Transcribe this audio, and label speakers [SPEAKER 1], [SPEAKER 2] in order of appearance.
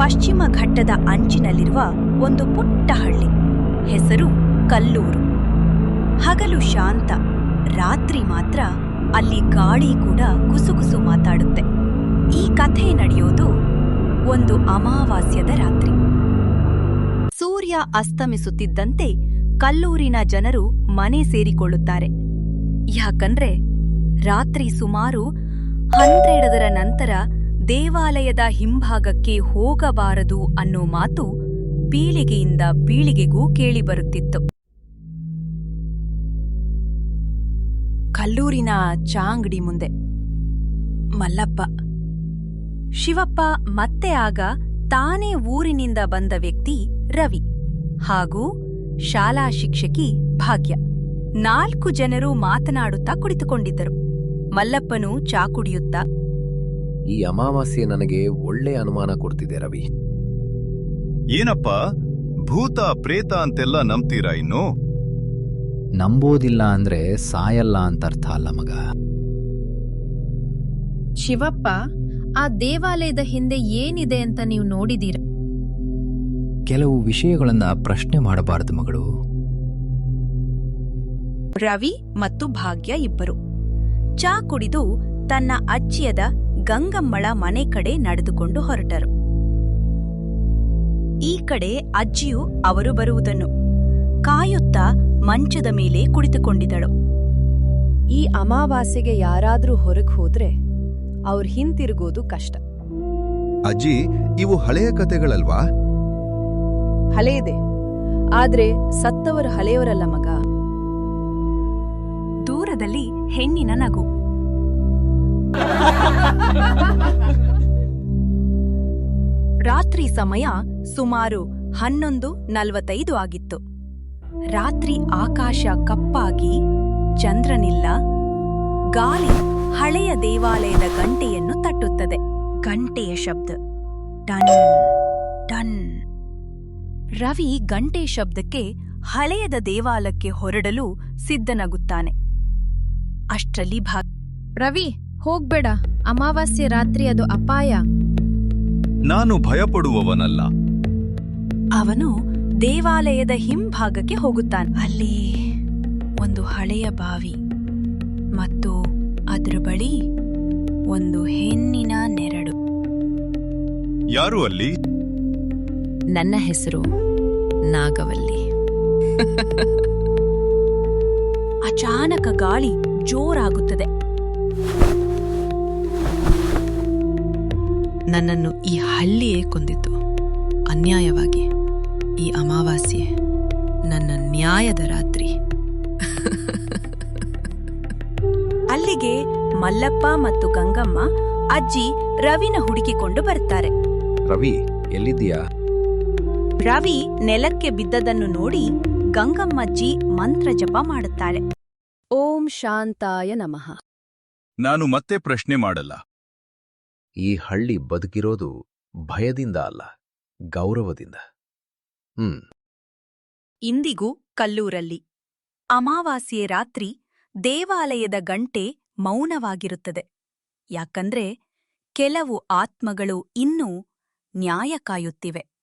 [SPEAKER 1] ಪಶ್ಚಿಮ ಘಟ್ಟದ ಅಂಚಿನಲ್ಲಿರುವ ಒಂದು ಪುಟ್ಟ ಹಳ್ಳಿ. ಹೆಸರು ಕಲ್ಲೂರು. ಹಗಲು ಶಾಂತ, ರಾತ್ರಿ ಮಾತ್ರ ಅಲ್ಲಿ ಗಾಳಿ ಕೂಡ ಗುಸುಗುಸು ಮಾತಾಡುತ್ತೆ. ಈ ಕಥೆ ನಡೆಯೋದು ಒಂದು ಅಮಾವಾಸ್ಯದ ರಾತ್ರಿ. ಸೂರ್ಯ ಅಸ್ತಮಿಸುತ್ತಿದ್ದಂತೆ ಕಲ್ಲೂರಿನ ಜನರು ಮನೆ ಸೇರಿಕೊಳ್ಳುತ್ತಾರೆ. ಯಾಕಂದ್ರೆ ರಾತ್ರಿ ಸುಮಾರು 12ರ ನಂತರ ದೇವಾಲಯದ ಹಿಂಭಾಗಕ್ಕೆ ಹೋಗಬಾರದು ಅನ್ನೋ ಮಾತು ಪೀಳಿಗೆಯಿಂದ ಪೀಳಿಗೆಗೂ ಕೇಳಿಬರುತ್ತಿತ್ತು. ಕಲ್ಲೂರಿನ ಚಾಂಗಡಿ ಮುಂದೆ ಮಲ್ಲಪ್ಪ, ಶಿವಪ್ಪ ಮತ್ತೆ ಆಗ ತಾನೇ ಊರಿನಿಂದ ಬಂದ ವ್ಯಕ್ತಿ ರವಿ ಹಾಗೂ ಶಾಲಾ ಶಿಕ್ಷಕಿ ಭಾಗ್ಯ 4 ಜನರು ಮಾತನಾಡುತ್ತಾ ಕುಳಿತುಕೊಂಡಿದ್ದರು. ಮಲ್ಲಪ್ಪನು ಚಾ ಕುಡಿಯುತ್ತಾ,
[SPEAKER 2] ಈ ಅಮಾವಾಸ್ಯೆ ನನಗೆ ಒಳ್ಳೆ ಅನುಮಾನ ಕೊಡ್ತಿದೆ ರವಿ.
[SPEAKER 3] ಏನಪ್ಪ, ಭೂತ ಪ್ರೇತ ಅಂತೆಲ್ಲ ನಂಬ್ತೀರಾ? ಇನ್ನು
[SPEAKER 4] ನಂಬೋದಿಲ್ಲ ಅಂದ್ರೆ ಸಾಯಲ್ಲ ಅಂತರ್ಥ ಅಲ್ಲ ಮಗ.
[SPEAKER 5] ಶಿವಪ್ಪ, ಆ ದೇವಾಲಯದ ಹಿಂದೆ ಏನಿದೆ ಅಂತ ನೀವು ನೋಡಿದೀರ?
[SPEAKER 4] ಕೆಲವು ವಿಷಯಗಳನ್ನ ಪ್ರಶ್ನೆ ಮಾಡಬಾರದು ಮಗಳು.
[SPEAKER 1] ರವಿ ಮತ್ತು ಭಾಗ್ಯ ಇಬ್ಬರು ಚಾ ಕುಡಿದು ತನ್ನ ಅಜ್ಜಿಯದ ಗಂಗಮ್ಮಳ ಮನೆ ಕಡೆ ನಡೆದುಕೊಂಡು ಹೊರಟರು. ಈ ಕಡೆ ಅಜ್ಜಿಯು ಅವರು ಬರುವುದನ್ನು ಕಾಯುತ್ತಾ ಮಂಚದ ಮೇಲೆ ಕುಳಿತುಕೊಂಡಿದ್ದಳು.
[SPEAKER 6] ಈ ಅಮಾವಾಸ್ಯೆಗೆ ಯಾರಾದ್ರೂ ಹೊರಗೆ ಹೋದ್ರೆ ಅವ್ರು ಹಿಂತಿರುಗೋದು ಕಷ್ಟ.
[SPEAKER 3] ಅಜ್ಜಿ, ಇವು ಹಳೆಯ ಕತೆಗಳಲ್ವಾ?
[SPEAKER 6] ಹಳೆಯದೆ, ಆದ್ರೆ ಸತ್ತವರು ಹಳೆಯವರಲ್ಲ ಮಗ.
[SPEAKER 1] ದೂರದಲ್ಲಿ ಹೆಣ್ಣಿನ ನಗು. ರಾತ್ರಿ ಸಮಯ ಸುಮಾರು 11:45 ಆಗಿತ್ತು. ರಾತ್ರಿ ಆಕಾಶ ಕಪ್ಪಾಗಿ ಚಂದ್ರನಿಲ್ಲ. ಗಾಳಿ ಹಳೆಯ ದೇವಾಲಯದ ಗಂಟೆಯನ್ನು ತಟ್ಟುತ್ತದೆ. ಗಂಟೆಯ ಶಬ್ದ ಟನ್ ಟನ್. ರವಿ ಗಂಟೆ ಶಬ್ದಕ್ಕೆ ಹಳೆಯದ ದೇವಾಲಯಕ್ಕೆ ಹೊರಡಲು ಸಿದ್ಧನಾಗುತ್ತಾನೆ. ಅಷ್ಟರಲ್ಲಿ
[SPEAKER 5] ರವಿ, ಹೋಗ್ಬೇಡ. ಅಮಾವಾಸ್ಯೆ ರಾತ್ರಿ ಅದು ಅಪಾಯ.
[SPEAKER 3] ನಾನು ಭಯಪಡುವವನಲ್ಲ.
[SPEAKER 1] ಅವನು ದೇವಾಲಯದ ಹಿಂಭಾಗಕ್ಕೆ ಹೋಗುತ್ತಾನೆ. ಅಲ್ಲಿ ಒಂದು ಹಳೆಯ ಬಾವಿ ಮತ್ತು ಅದರ ಬಳಿ ಒಂದು ಹೆಣ್ಣಿನ ನೆರಳು.
[SPEAKER 3] ಯಾರು ಅಲ್ಲಿ?
[SPEAKER 5] ನನ್ನ ಹೆಸರು ನಾಗವಲ್ಲಿ.
[SPEAKER 1] ಅಚಾನಕ ಗಾಳಿ ಜೋರಾಗುತ್ತದೆ.
[SPEAKER 7] ನನ್ನನ್ನು ಈ ಹಳ್ಳಿಯೇ ಕೊಂದಿತು ಅನ್ಯಾಯವಾಗಿ. ಈ ಅಮಾವಾಸ್ಯೆ ನನ್ನ ನ್ಯಾಯದ ರಾತ್ರಿ.
[SPEAKER 1] ಅಲ್ಲಿಗೆ ಮಲ್ಲಪ್ಪ ಮತ್ತು ಗಂಗಮ್ಮ ಅಜ್ಜಿ ರವಿನ ಹುಡುಕಿಕೊಂಡು ಬರ್ತಾರೆ.
[SPEAKER 2] ರವಿ, ಎಲ್ಲಿದ್ದೀಯಾ?
[SPEAKER 1] ರವಿ ನೆಲಕ್ಕೆ ಬಿದ್ದದನ್ನು ನೋಡಿ ಗಂಗಮ್ಮಜ್ಜಿ ಮಂತ್ರ ಜಪ ಮಾಡುತ್ತಾಳೆ.
[SPEAKER 6] ಓಂ ಶಾಂತಾಯ ನಮಃ.
[SPEAKER 3] ನಾನು ಮತ್ತೆ ಪ್ರಶ್ನೆ ಮಾಡಲ್ಲ.
[SPEAKER 2] ಈ ಹಳ್ಳಿ ಬದುಕಿರೋದು ಭಯದಿಂದ ಅಲ್ಲ, ಗೌರವದಿಂದ.
[SPEAKER 1] ಇಂದಿಗೂ ಕಲ್ಲೂರಲ್ಲಿ ಅಮಾವಾಸ್ಯೆ ರಾತ್ರಿ ದೇವಾಲಯದ ಗಂಟೆ ಮೌನವಾಗಿರುತ್ತದೆ. ಯಾಕಂದ್ರೆ ಕೆಲವು ಆತ್ಮಗಳು ಇನ್ನೂ ನ್ಯಾಯ ಕಾಯುತ್ತಿವೆ.